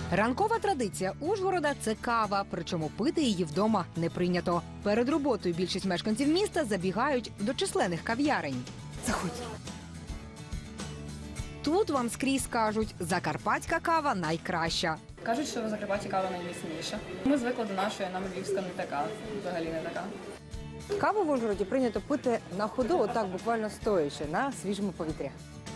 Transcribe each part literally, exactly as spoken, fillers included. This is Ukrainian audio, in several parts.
Ранкова традиція Ужгорода – це кава, причому пити її вдома не прийнято. Перед роботою більшість мешканців міста забігають до численних кав'ярень. Заходь. Тут вам скрізь кажуть, закарпатська кава найкраща. Кажуть, що в Закарпатті кава найміцніша. Ми звикли до нашої, нам львівська не така, взагалі не така. Каву в Ужгороді прийнято пити на ходу, отак буквально стоячи, на свіжому повітрі.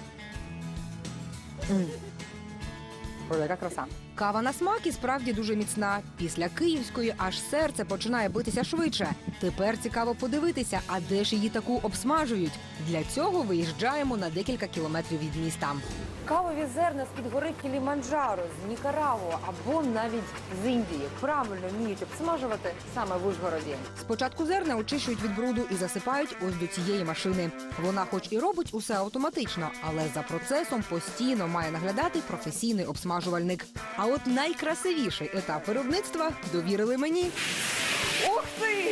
М. Ой, яка краса. Кава на смак і справді дуже міцна. Після київської аж серце починає битися швидше. Тепер цікаво подивитися, а де ж її таку обсмажують. Для цього виїжджаємо на декілька кілометрів від міста. Кавові зерна з-під гори Кіліманджаро, з Нікарагуа або навіть з Індії правильно вміють обсмажувати саме в Ужгороді. Спочатку зерна очищують від бруду і засипають ось до цієї машини. Вона хоч і робить усе автоматично, але за процесом постійно має наглядати професійний обсмажувальник. А от найкрасивіший етап виробництва довірили мені. Ух ти!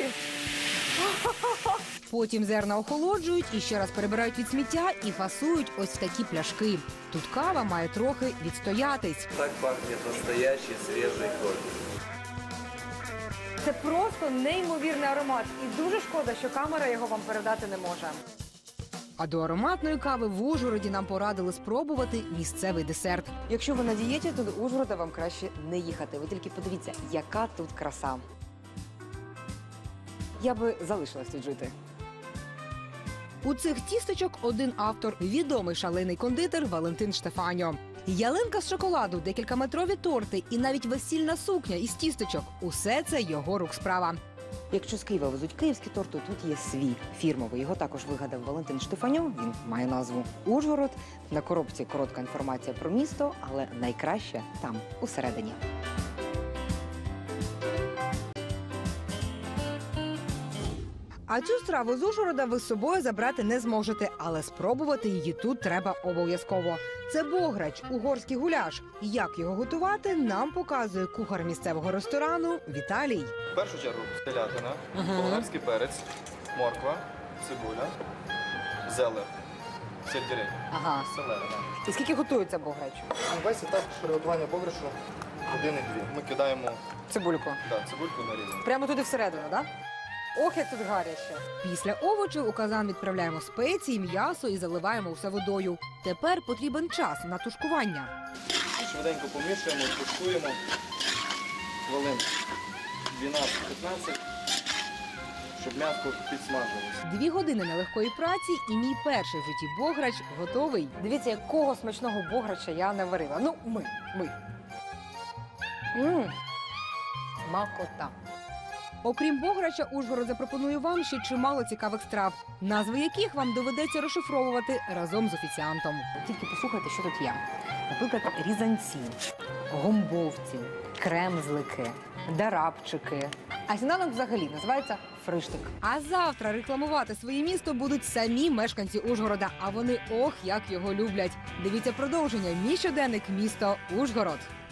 Потім зерна охолоджують і ще раз перебирають від сміття і фасують ось в такі пляшки. Тут кава має трохи відстоятись. Так пахнет настоящий свежий кофе. Це просто неймовірний аромат. І дуже шкода, що камера його вам передати не може. А до ароматної кави в Ужгороді нам порадили спробувати місцевий десерт. Якщо ви на дієті, то до Ужгорода вам краще не їхати. Ви тільки подивіться, яка тут краса. Я би залишилась тут жити. У цих тістечок один автор – відомий шалений кондитер Валентин Штефаньо. Ялинка з шоколаду, декількаметрові торти і навіть весільна сукня із тістечок – усе це його рук справа. Якщо з Києва везуть київські торти, тут є свій фірмовий. Його також вигадав Валентин Штефаньо, він має назву «Ужгород». На коробці коротка інформація про місто, але найкраще там, усередині. А цю страву з Ужгорода ви з собою забрати не зможете, але спробувати її тут треба обов'язково. Це бограч, угорський гуляш. Як його готувати, нам показує кухар місцевого ресторану Віталій. В першу чергу телятина, болгарський перець, морква, цибуля, зелень, сельдерей, Ага. селера. І скільки готується бограч? Весь етап приготування бограшу години-дві. Ми кидаємо Цибульку. да, цибульку нарізану. Прямо туди всередину, так? Да? Ох, як тут гаряче. Після овочів у казан відправляємо спеції, м'ясо і заливаємо усе водою. Тепер потрібен час на тушкування. Швиденько помішуємо, тушкуємо хвилин дванадцять-п'ятнадцять, щоб м'ясо підсмажилося. Дві години нелегкої праці і мій перший в житті бограч готовий. Дивіться, якого смачного бограча я не варила. Ну, ми, ми. Ммм, смакота. Окрім бограча, Ужгород запропонує вам ще чимало цікавих страв, назви яких вам доведеться розшифровувати разом з офіціантом. Тільки послухайте, що тут є. Наприклад, різанці, гомбовці, кремзлики, дарабчики. А сніданок взагалі називається фриштик. А завтра рекламувати своє місто будуть самі мешканці Ужгорода, а вони ох, як його люблять. Дивіться продовження. Мій щоденник «Місто Ужгород».